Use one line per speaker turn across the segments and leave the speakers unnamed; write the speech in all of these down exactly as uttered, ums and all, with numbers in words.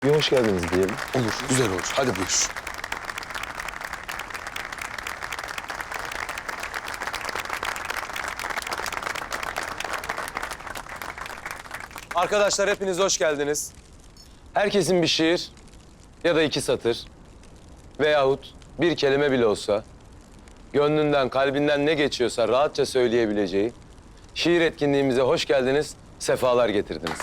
Bir hoş geldiniz diyelim.
Olur, güzel olur. Hadi buyur.
Arkadaşlar hepiniz hoş geldiniz. Herkesin bir şiir ya da iki satır veyahut bir kelime bile olsa gönlünden, kalbinden ne geçiyorsa rahatça söyleyebileceği şiir etkinliğimize hoş geldiniz, sefalar getirdiniz.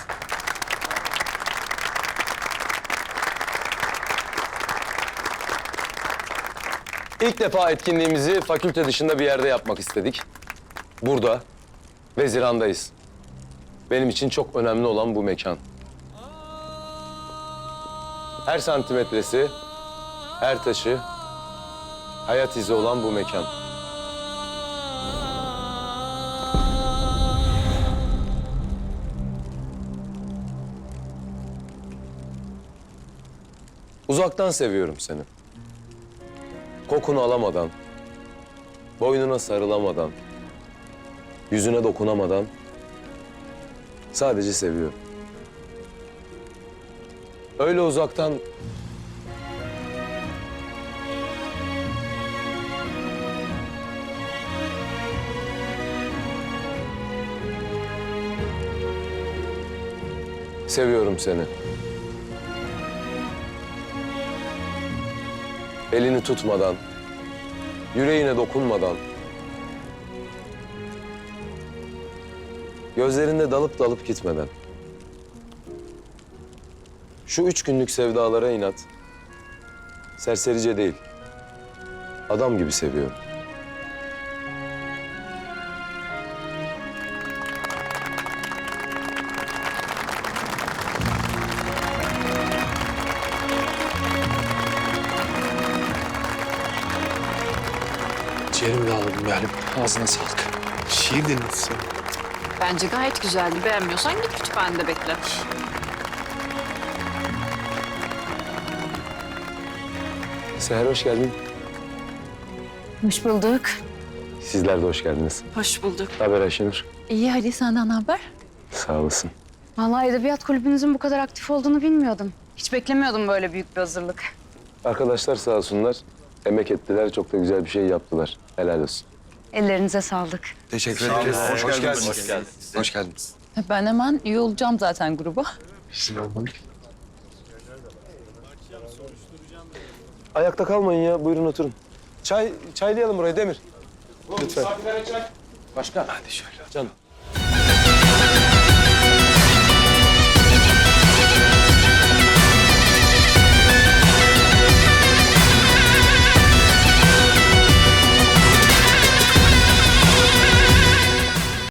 İlk defa etkinliğimizi fakülte dışında bir yerde yapmak istedik. Burada, Veziran'dayız. Benim için çok önemli olan bu mekan. Her santimetresi, her taşı, hayat izi olan bu mekan. Uzaktan seviyorum seni. Kokunu alamadan, boynuna sarılamadan, yüzüne dokunamadan sadece seviyorum. Öyle uzaktan seviyorum seni. Elini tutmadan, yüreğine dokunmadan, gözlerinde dalıp dalıp gitmeden. Şu üç günlük sevdalara inat, serserice değil, adam gibi seviyorum.
Ciğerimi de alalım Meryem. Ağzına sağlık. Şiir dinletsin.
Bence gayet güzeldi. Beğenmiyorsan git kütüphanede bekle.
Seher hoş geldin.
Hoş bulduk.
Sizler de hoş geldiniz.
Hoş bulduk.
Ne haber Ayşenur?
İyi, hadi senden ne haber?
Sağ olasın.
Vallahi edebiyat kulübünüzün bu kadar aktif olduğunu bilmiyordum. Hiç beklemiyordum böyle büyük bir hazırlık.
Arkadaşlar sağ olsunlar, emek ettiler, çok da güzel bir şey yaptılar. Helal olsun.
Ellerinize sağlık.
Teşekkür ederiz.
Hoş,
Hoş
geldiniz.
geldiniz.
Hoş geldiniz.
Hoş geldiniz.
Ben hemen üye olacağım zaten gruba.
Ayakta kalmayın ya, buyurun oturun. Çay, çaylayalım burayı Demir. Lütfen.
Başka?
Hadi şöyle.
Canım.